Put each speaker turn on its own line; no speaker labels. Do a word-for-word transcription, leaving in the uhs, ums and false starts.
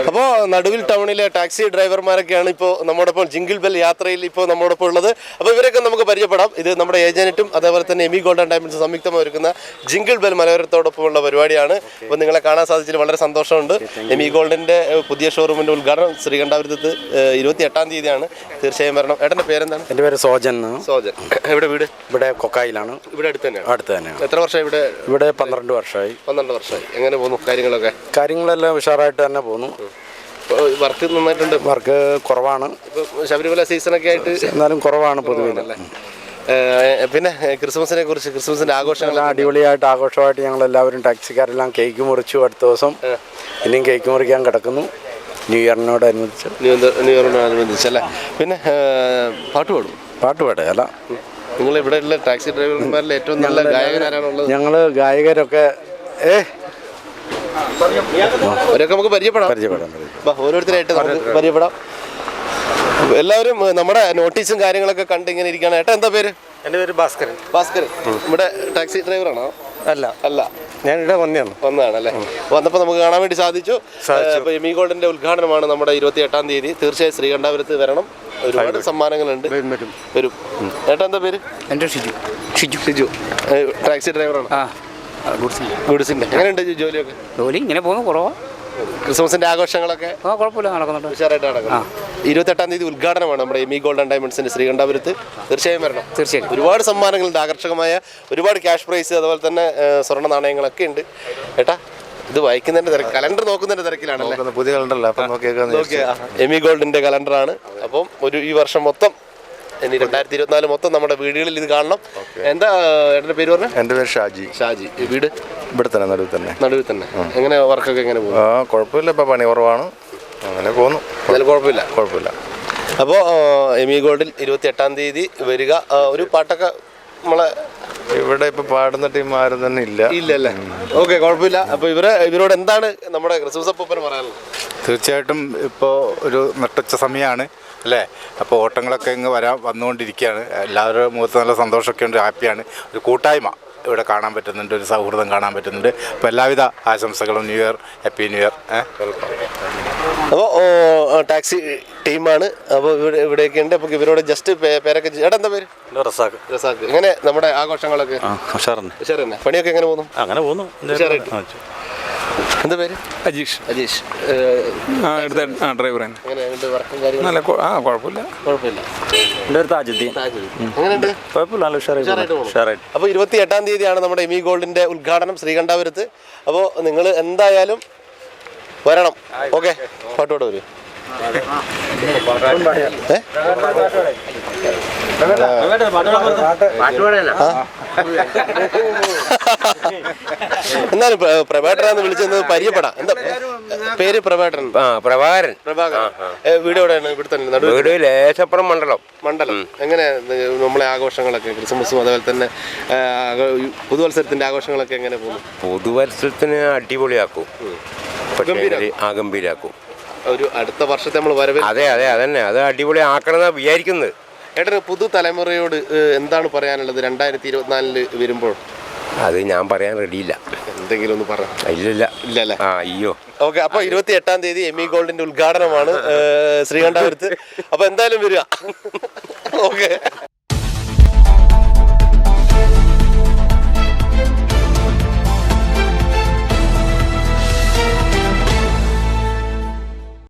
അപ്പോൾ നടുവിൽ ടൗണിലെ ടാക്സി ഡ്രൈവർമാരൊക്കെയാണ് ഇപ്പോൾ നമ്മോടൊപ്പം ജിംഗിൾ ബെൽ യാത്രയിൽ ഇപ്പോൾ നമ്മോടൊപ്പം ഉള്ളത്. അപ്പോൾ ഇവരൊക്കെ നമുക്ക് പരിചയപ്പെടാം. ഇത് നമ്മുടെ ഏജന്റും അതേപോലെ തന്നെ എമി ഗോൾഡ് ആൻഡ് ഡയമണ്ട്സ് സംയുക്തമായി ഒരുക്കുന്ന ജിംഗിൾ ബെൽ മലയോരത്തോടൊപ്പമുള്ള പരിപാടിയാണ്. അപ്പോൾ നിങ്ങളെ കാണാൻ സാധിച്ചതിൽ വളരെ സന്തോഷമുണ്ട്. എമി ഗോൾഡിൻ്റെ പുതിയ ഷോറൂമിൻ്റെ ഉദ്ഘാടനം ശ്രീകണ്ഠാപുരത്ത് ഇരുപത്തി എട്ടാം തീയതിയാണ്. തീർച്ചയായും വരണം. ഏട്ടൻ്റെ പേരെന്താണ്?
എൻ്റെ പേര് സോജൻ.
സോജൻ. എവിടെ വീട്?
ഇവിടെ കൊക്കായിലാണ്.
ഇവിടെ അടുത്ത് തന്നെയാണ്?
അടുത്ത് തന്നെയാണ്.
എത്ര വർഷമായി ഇവിടെ?
ഇവിടെ പന്ത്രണ്ട് വർഷമായി.
പന്ത്രണ്ട് വർഷമായി. എങ്ങനെ പോകുന്നു കാര്യങ്ങളൊക്കെ?
കാര്യങ്ങളെല്ലാം ഉഷാറായിട്ട് തന്നെ പോകുന്നു.
വർക്ക് നന്നായിട്ടുണ്ട്?
വർക്ക് കുറവാണ്.
ശബരിമല സീസണൊക്കെ ആയിട്ട്
എന്നാലും കുറവാണ് പൊതുവിലല്ലേ.
പിന്നെ ക്രിസ്മസിനെ കുറിച്ച്, ക്രിസ്മസിന്റെ ആഘോഷങ്ങൾ
അടിപൊളിയായിട്ട് ആഘോഷമായിട്ട് ഞങ്ങൾ എല്ലാവരും ടാക്സിക്കാരെല്ലാം കേക്ക് മുറിച്ചു. അടുത്ത ദിവസം ഇനിയും കേക്ക് മുറിക്കാൻ കിടക്കുന്നു. ന്യൂ ഇയറിനോടനുബന്ധിച്ച്
ന്യൂ ന്യൂ ഇയറിനോടനുബന്ധിച്ചല്ലേ. പിന്നെ പാട്ട് പാടും? പാട്ട്
പാടുകയല്ല.
നിങ്ങൾ ഇവിടെ ഉള്ള ടാക്സി ഡ്രൈവർമാരിൽ ഏറ്റവും നല്ല ഗായകനാരാണുള്ളത്?
ഞങ്ങൾ ഗായകരൊക്കെ ഏ
അവരൊക്കെ നമുക്ക് പരിചയപ്പെടാം. പരിചയപ്പെടാം ഓരോരുത്തരായിട്ട് നമുക്ക് പരിചയപ്പെടാം. എല്ലാവരും നമ്മുടെ നോട്ടീസും കാര്യങ്ങളൊക്കെ കണ്ട് ഇങ്ങനെ ഇരിക്കുകയാണ്. ഏട്ടാ എന്താ പേര്?
എൻ്റെ പേര് ഭാസ്കരൻ.
ഭാസ്കരൻ. ഇവിടെ ടാക്സി ഡ്രൈവറാണോ?
അല്ല
അല്ല
ഞാൻ ഇവിടെ വന്നതാണ്.
വന്നതാണല്ലേ. വന്നപ്പോൾ നമുക്ക് കാണാൻ വേണ്ടി സാധിച്ചു. അപ്പോൾ എമി ഗോൾഡിന്റെ ഉദ്ഘാടനമാണ് നമ്മുടെ ഇരുപത്തി എട്ടാം തീയതി. തീർച്ചയായും ശ്രീകണ്ഠാപുരത്ത് വരണം. ഒരുപാട് സമ്മാനങ്ങളുണ്ട്. വരും. ഏട്ടാ എന്താ പേര്?
എൻ്റെ ഷിജു. ഷിജു
ഷിജു ടാക്സി ഡ്രൈവറാണ്. ഗുഡ്സിന്റെ. എങ്ങനെയുണ്ട് ജോലിയൊക്കെ?
ജോലി ഇങ്ങനെ പോകുന്നു, കുറവാ.
ക്രിസ്മസിന്റെ ആഘോഷങ്ങളൊക്കെ
കുഴപ്പമില്ല, നടക്കുന്നുണ്ട്.
ഉഷാറായിട്ട് നടക്കുന്നു. ഇരുപത്തെട്ടാം തീയതി ഉദ്ഘാടനമാണ് നമ്മുടെ എമി ഗോൾഡ് ആൻഡ് ഡയമണ്ട്സിന്റെ ശ്രീകണ്ഠാപുരത്ത്. തീർച്ചയായും വരണം.
തീർച്ചയായും.
ഒരുപാട് സമ്മാനങ്ങളുണ്ട്, ആകർഷകമായ ഒരുപാട് ക്യാഷ് പ്രൈസ്, അതുപോലെ തന്നെ സ്വർണ്ണ നാണയങ്ങളൊക്കെ ഉണ്ട്. ഏട്ടാ ഇത് വായിക്കുന്നതിന്റെ തിരക്ക്, കലണ്ടർ നോക്കുന്നതിന്റെ തിരക്കിലാണല്ലേ?
പുതിയ കലണ്ടറല്ല,
എമി ഗോൾഡിന്റെ കലണ്ടറാണ്. അപ്പം ഒരു ഈ വർഷം മൊത്തം, ഇനി രണ്ടായിരത്തി ഇരുപത്തിനാല് മൊത്തം നമ്മുടെ വീടുകളിൽ ഇത് കാണണം. എന്താ ഏട്ടൻ്റെ പേര് പറഞ്ഞത്?
എൻ്റെ പേര് ഷാജി.
ഷാജി. വീട്
ഇവിടെ തന്നെ, നടുവിൽ തന്നെ.
നടുവിൽ തന്നെ. എങ്ങനെ വർക്കൊക്കെ എങ്ങനെ പോകും?
ആ കുഴപ്പമില്ല, ഇപ്പം പണി കുറവാണ്, അങ്ങനെ പോകുന്നു.
എന്തായാലും കുഴപ്പമില്ല
കുഴപ്പമില്ല
അപ്പോൾ എമി ഗോൾഡിൽ ഇരുപത്തി എട്ടാം തീയതി വരിക. ഒരു പാട്ടൊക്കെ നമ്മളെ
ഇവിടെ ഇപ്പൊ പാടുന്ന ടീം ആരും തന്നെ ഇല്ല.
ഇല്ലല്ലേ? ഓക്കെ, കുഴപ്പമില്ല. അപ്പോൾ ഇവരെ ഇവരോട് എന്താണ് നമ്മുടെ ക്രിസ്മസ് അപ്പൂപ്പന് പറയാനുള്ളത്?
തീർച്ചയായിട്ടും ഇപ്പോൾ ഒരു നട്ടുച്ച സമയമാണ് അല്ലേ? അപ്പോൾ ഓട്ടങ്ങളൊക്കെ ഇങ്ങ് വരാൻ വന്നുകൊണ്ടിരിക്കുകയാണ്. എല്ലാവരുടെ മുഖത്ത് നല്ല സന്തോഷമൊക്കെ ഉണ്ട്, ഹാപ്പിയാണ്. ഒരു കൂട്ടായ്മ ഇവിടെ കാണാൻ പറ്റുന്നുണ്ട്, ഒരു സൗഹൃദം കാണാൻ പറ്റുന്നുണ്ട്. അപ്പോൾ എല്ലാവിധ ആശംസകളും. New year, happy new year.
അപ്പോൾ ടാക്സി ടീമാണ്. അപ്പോൾ ഇവിടെ ഇവിടെയൊക്കെ ഉണ്ട്. അപ്പോൾ ഇവരോട് ജസ്റ്റ് പേരൊക്കെ. ഏട്ടാ എന്താ പേര്?
റസാഖ്.
റസാഖ്. എങ്ങനെ നമ്മുടെ ആഘോഷങ്ങളൊക്കെ?
ഉഷാറുണ്ട്.
ഉഷാറന്നെ. പണിയൊക്കെ എങ്ങനെ പോകുന്നു?
അങ്ങനെ പോകുന്നു.
എന്താ പേര്?
അജീഷ്.
അജീഷ്.
ഡ്രൈവർ.
നല്ല
കുഴപ്പമില്ല.
കുഴപ്പമില്ല.
എൻ്റെ ഒരു താജുദ്ദീൻ.
എങ്ങനെയുണ്ട്?
കുഴപ്പമില്ല, നല്ല ഉഷാറായിട്ട്.
അപ്പോൾ ഇരുപത്തി എട്ടാം തീയതിയാണ് നമ്മുടെ എമി ഗോൾഡിന്റെ ഉദ്ഘാടനം ശ്രീകണ്ഠാപുരത്ത്. അപ്പോൾ നിങ്ങൾ എന്തായാലും വരണം. ഓക്കെ, പാട്ടോടെ വരും. എന്നാലും പ്രഭാകരനാന്ന് വിളിച്ചത് പരിചയപ്പെടാം. എന്താ പേര്? പ്രഭാകരൻ.
പ്രഭാകരൻ.
പ്രഭാകരൻ. വീട് എവിടെയാണ്? ഇവിടെ തന്നെ.
വീട് ലേശപ്പുറം മണ്ഡലം.
മണ്ഡലം. എങ്ങനെ നമ്മളെ ആഘോഷങ്ങളൊക്കെ, ക്രിസ്മസും അതുപോലെ തന്നെ പുതുവത്സരത്തിന്റെ ആഘോഷങ്ങളൊക്കെ എങ്ങനെ പോകുന്നു?
പുതുവത്സരത്തിന് അടിപൊളിയാക്കും, ആ ഗംഭീരാക്കും.
ഒരു അടുത്ത വർഷത്തെ നമ്മൾ വരവേ.
അതെ അതെ അതന്നെ, അത് അടിപൊളി ആക്കണമെന്നാണ് വിചാരിക്കുന്നത്.
ഏട്ടന് പുതുതലമുറയോട് എന്താണ് പറയാനുള്ളത് രണ്ടായിരത്തി ഇരുപത്തിനാലില് വരുമ്പോൾ?
അത് ഞാൻ പറയാൻ റെഡിയില്ല.
എന്തെങ്കിലും ഒന്ന് പറയാം.
ഇല്ലില്ല.
ഇല്ലല്ലേ?
ആ അയ്യോ.
ഓക്കെ, അപ്പോൾ ഇരുപത്തി എട്ടാം തീയതി എമി ഗോൾഡിന്റെ ഉദ്ഘാടനമാണ് ശ്രീകണ്ഠാപുരത്ത്. അപ്പോൾ എന്തായാലും വരിക. ഓക്കെ.